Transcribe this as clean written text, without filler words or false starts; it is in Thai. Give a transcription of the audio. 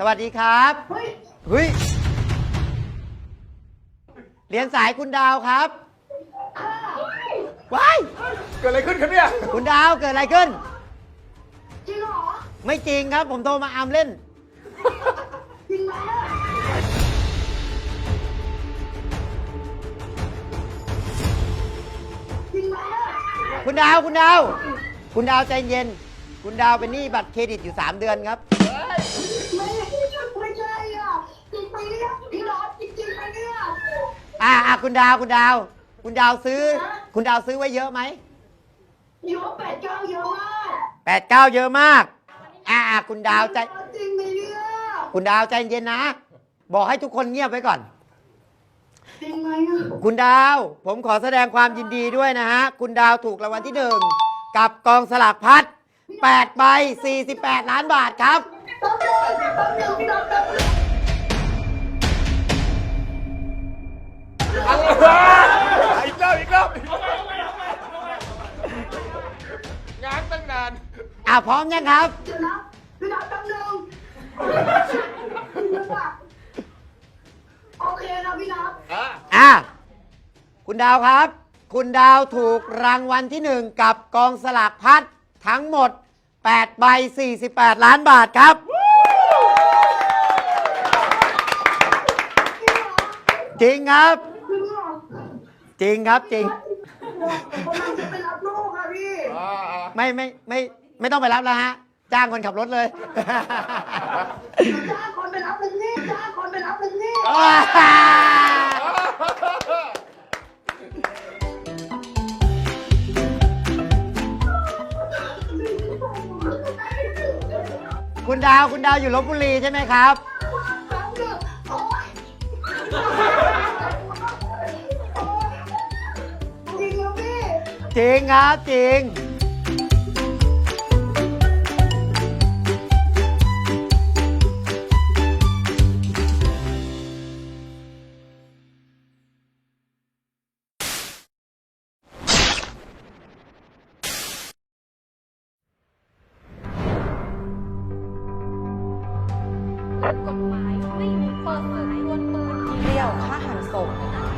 สวัสดีครับเฮ้ยเฮ้ยเรียนสายคุณดาวครับค่ะว้ายเกิดอะไรขึ้นครับเนี่ยคุณดาวเกิดอะไรขึ้นจริงเหรอไม่จริงครับ ผมโทรมาอามเล่นจริงไหมจริงไหมคุณดาวใจเย็น คุณดาวเป็นหนี้บัตรเครดิตอยู่3 เดือนครับไม่ใช่อ่ะจริงไหมเนี่ยพี่รอดจริงไหมเนี่ยคุณดาวซื้อ คุณดาวซื้อไว้เยอะไหมเยอะ8-9เยอะมาก 8-9 เยอะมากคุณดาวใจจริงไหมเนี่ยคุณดาวใจเย็นนะ บอกให้ทุกคนเงียบไว้ก่อนจริงไหมอ่ะคุณดาว ผมขอแสดงความยินดีด้วยนะฮะ คุณดาวถูกรางวัลที่ 1 กับกองสลากพัด8 ใบ 48 ล้านบาทครับแป๊บนึงพี่รอดแป๊บนึงอีกรอบงานตั้งนานพร้อมยังครับเดี๋ยวนะพี่รอดแป๊บนึงโอเคนะพี่นัทคุณดาวครับ คุณดาวถูกรางวัลที่ 1 กับกองสลากพัดทั้งหมด8 ใบ 48 ล้านบาทครับ จริงครับ จริงครับจริงผมกำลังจะไปรับลูกค่ะพี่ไม่ต้องไปรับแล้วฮะ จ้างคนขับรถเลยจ้างคนไปรับหนึ่งนี่จ้างคนไปรับหนึ่งนี่คุณดาวอยู่ลพบุรีใช่ไหมครับแป๊บนึงโอ๊ยจริงเหรอพี่จริงครับจริงกฎหมายไม่มีเปิดเผยตัวตนเปรี้ยวฆ่าหันศพ